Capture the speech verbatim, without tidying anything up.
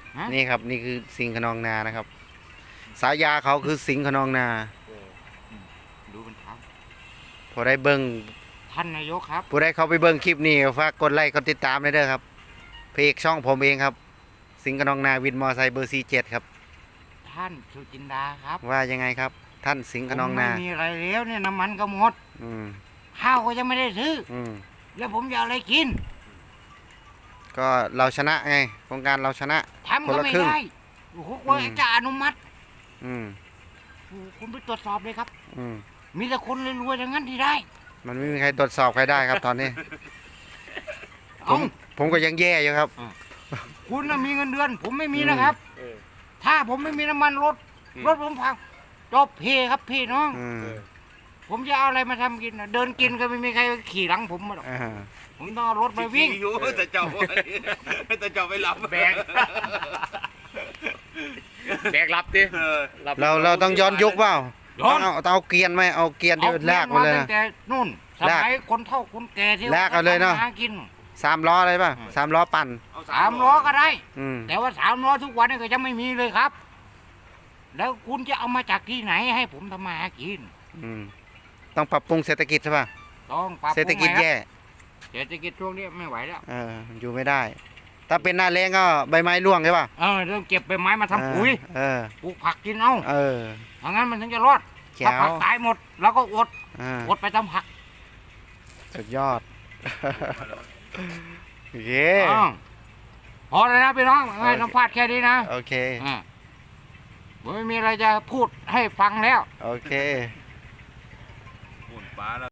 นี่ครับนี่คือสิงห์ขนองนานะครับสายาเขาคือสิงห์ขนองนาดูเป็นทางพอได้เบิ้งท่านนายกครับผู้ได้เขาไปเบิ้งคลิปนี้ก็ฝากกดไลค์กดติดตามเลยเด้อครับเพจช่องผมเองครับ สิงห์ขนองนาวินมอไซค์เบอร์สี่เจ็ดครับท่านสุจินดาครับว่ายังไงครับ ท่านสิงห์ขนองนาผมไม่มีอะไรแล้วเนี่ยน้ำมันก็หมดอืมข้าวก็ยังไม่ได้ซื้ออืมแล้วผมจะเอาอะไรกินก็เราชนะไงโครงการเราชนะทำคนก็ละไม่ครึ่งได้โอ้โหกว่าอืมจะอนุมัติอืมโอ้โหคุณไปตรวจสอบเลยครับอืมมีแต่คนรวยๆอย่างนั้นที่ได้มันไม่มีใครตรวจสอบใครได้ครับตอนนี้ ผเอ้ามผมก็ยังแย่อยู่ครับคุณน่ะมีเงินเดือน ผมไม่มีนะครับ ถ้าผมไม่มีน้ำมันรถรถผมพังจบเพครับพี่น้องอืมผมจะเอาอะไรมาทำกินน่ะเดินกินก็ไม่มีใครขี่หลังผมมาหรอกอ่าผมต้องเอารถไปวิ่งอยู่แต่เจ้าแต่เจ้าไปหลับแบก แบกรับดิเออรับเราเราต้องย้อนยุคเปล่าย้อนเอาเอาเกียร์ไหมเอาเกียร์ที่ลากมาเลยตั้นะงแต่นู่นสลากมัยคนเฒ่าคนแก่ที่ลากเอาเลยเนอะหากินสามล้ออะไรป่ะสามล้อปั่นสามล้อก็ได้อืมแต่ว่าสามล้อทุกวันนี้ก็ยังไม่มีเลยครับ แล้วคุณจะเอามาจากที่ไหนให้ผมทำมาหากินอืมต้องปรับปรุงเศรษฐกิจใช่ป่ะต้องปรับปเศรษฐรุงกิจใหม่แย่ครับเศรษฐกิจช่วงนี้ไม่ไหวแล้วเอออยู่ไม่ได้ ถ้าเป็นหน้าแรงก็ใบไม้ร่วงใช่ป่ะเออเรื่องเก็บใบไม้มาทำปุ๋ยเออปลูกผักกินเอาเออถ้างั้นมันถึงจะรอดแจ๋ถ้าว ผักตายหมดเราก็อดอ่าอดไปทำผักสุดยอด โอเคอ้าวพอเลยนะพี่น้องให้สัมภาษณ์แค่นี้นะโอเคอ่าผมไม่มีอะไรจะพูดให้ฟังแล้วโอเคหุ่นป้าแล้ว